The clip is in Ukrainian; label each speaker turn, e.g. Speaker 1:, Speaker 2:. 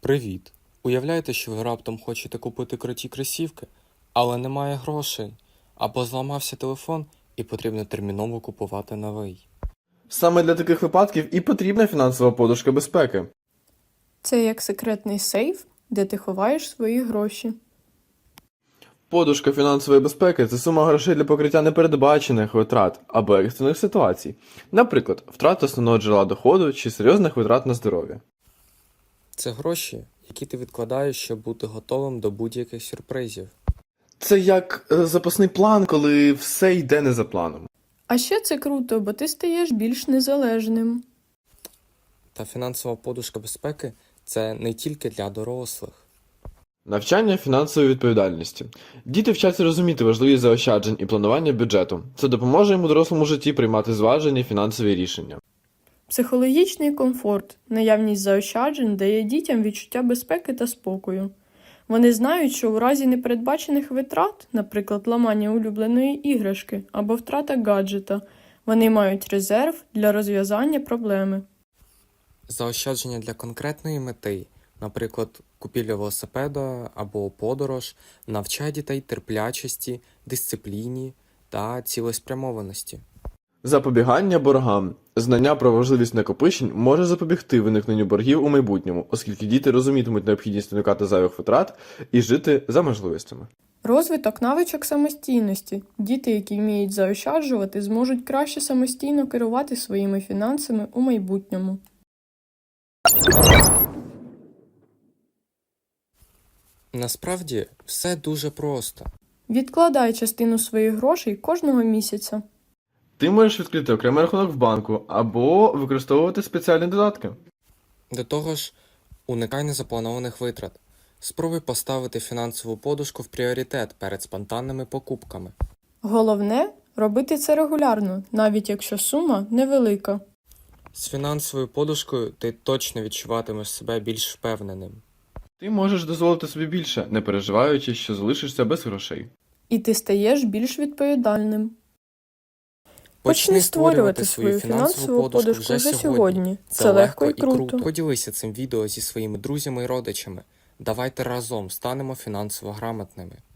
Speaker 1: Привіт! Уявляєте, що ви раптом хочете купити круті кросівки, але немає грошей, або зламався телефон і потрібно терміново купувати новий.
Speaker 2: Саме для таких випадків і потрібна фінансова подушка безпеки.
Speaker 3: Це як секретний сейф, де ти ховаєш свої гроші.
Speaker 2: Подушка фінансової безпеки – це сума грошей для покриття непередбачених витрат або екстрених ситуацій. Наприклад, втрат основного джерела доходу чи серйозних витрат на здоров'я.
Speaker 1: Це гроші, які ти відкладаєш, щоб бути готовим до будь-яких сюрпризів.
Speaker 2: Це як запасний план, коли все йде не за планом.
Speaker 3: А ще це круто, бо ти стаєш більш незалежним.
Speaker 1: Та фінансова подушка безпеки – це не тільки для дорослих.
Speaker 2: Навчання фінансової відповідальності. Діти вчаться розуміти важливість заощаджень і планування бюджету. Це допоможе їм у дорослому житті приймати зважені фінансові рішення.
Speaker 3: Психологічний комфорт, наявність заощаджень дає дітям відчуття безпеки та спокою. Вони знають, що у разі непередбачених витрат, наприклад, ламання улюбленої іграшки або втрата гаджета, вони мають резерв для розв'язання проблеми.
Speaker 1: Заощадження для конкретної мети, наприклад, купівля велосипеда або подорож, навчає дітей терплячості, дисципліні та цілеспрямованості.
Speaker 2: Запобігання боргам. Знання про важливість накопичень може запобігти виникненню боргів у майбутньому, оскільки діти розумітимуть необхідність уникати зайвих витрат і жити за можливостями.
Speaker 3: Розвиток навичок самостійності. Діти, які вміють заощаджувати, зможуть краще самостійно керувати своїми фінансами у майбутньому.
Speaker 1: Насправді, все дуже просто.
Speaker 3: Відкладай частину своїх грошей кожного місяця.
Speaker 2: Ти можеш відкрити окремий рахунок в банку або використовувати спеціальні додатки.
Speaker 1: До того ж, уникай незапланованих витрат. Спробуй поставити фінансову подушку в пріоритет перед спонтанними покупками.
Speaker 3: Головне – робити це регулярно, навіть якщо сума невелика.
Speaker 1: З фінансовою подушкою ти точно відчуватимеш себе більш впевненим.
Speaker 2: Ти можеш дозволити собі більше, не переживаючи, що залишишся без грошей.
Speaker 3: І ти стаєш більш відповідальним. Почни створювати свою фінансову подушку вже сьогодні. Це легко і круто.
Speaker 1: Поділися цим відео зі своїми друзями і родичами. Давайте разом станемо фінансово грамотними.